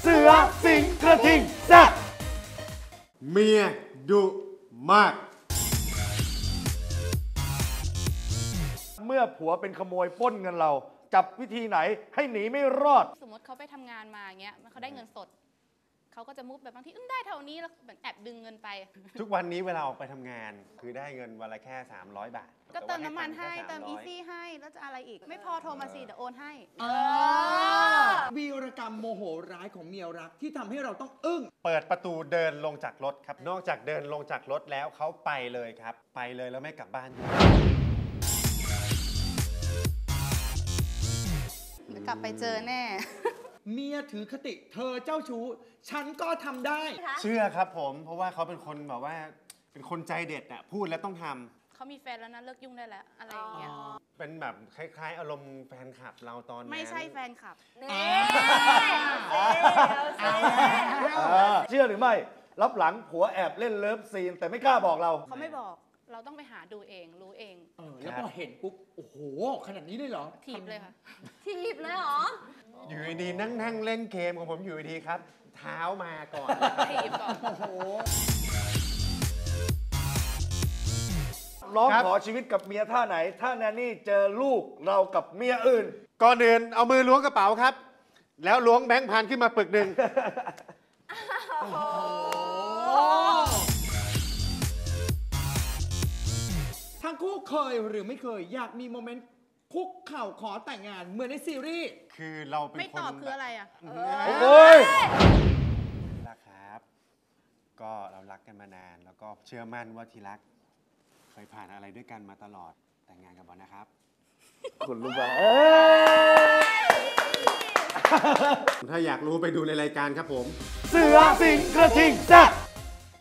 เสือสิงกระทิงแซ่บเมียดุมากเมื่อผัวเป็นขโมยปล้นเงินเราจับวิธีไหนให้หนีไม่รอดสมมติเขาไปทำงานมาอย่างเงี้ยเขาได้เงินสดเขาก็จะมุกแบบบางทีได้เท่านี้แล้วเหมือนแอบดึงเงินไปทุกวันนี้เวลาออกไปทำงานคือได้เงินวันละแค่300 บาทก็เติมน้ำมันให้เติมอีซี่ให้แล้วจะอะไรอีกไม่พอโทรมาสิเดี๋ยวโอนให้วีรกรรมโมโหร้ายของเมียรักที่ทำให้เราต้องอึ้งเปิดประตูเดินลงจากรถครับนอกจากเดินลงจากรถแล้วเขาไปเลยครับไปเลยแล้วไม่กลับบ้านกลับไปเจอแน่เมียถือคติเธอเจ้าชู้ฉันก็ทำได้เชื่อครับผมเพราะว่าเขาเป็นคนแบบว่าเป็นคนใจเด็ดอะพูดแล้วต้องทำเขามีแฟนแล้วนะเลิกยุ่งได้แล้วอะไรอย่างเงี้ยเป็นแบบคล้ายๆอารมณ์แฟนคลับเราตอนนั้นไม่ใช่แฟนคลับเชื่อหรือไม่รับหลังผัวแอบเล่นเลิฟซีนแต่ไม่กล้าบอกเราเขาไม่บอกเราต้องไปหาดูเองรู้เองแล้วพอเห็นปุ๊บโอ้โหขนาดนี้เลยเหรอถีบเลยค่ะถีบเลยเหรออยู่ดีนั่งเล่นเกมของผมอยู่ดีครับเท้ามาก่อนถีบก่อนโอ้โหร้องขอชีวิตกับเมียท่าไหนถ้าแนนนี่เจอลูกเรากับเมียอื่นก่อนอื่นเอามือล้วงกระเป๋าครับแล้วล้วงแบงค์พันขึ้นมาปึกหนึ่งทั้งคู่เคยหรือไม่เคยอยากมีโมเมนต์คุกเข่าขอแต่งงานเหมือนในซีรีส์คือเราเป็นคนไม่ตอบคืออะไรอ่ะโอ้ยรักครับก็เรารักกันมานานแล้วก็เชื่อมั่นว่าที่รักเคยผ่านอะไรด้วยกันมาตลอดแต่งงานกับบอลนะครับคุณรู้ป่ะถ้าอยากรู้ไปดูในรายการครับผมเสือสิงกระทิงแซ่บ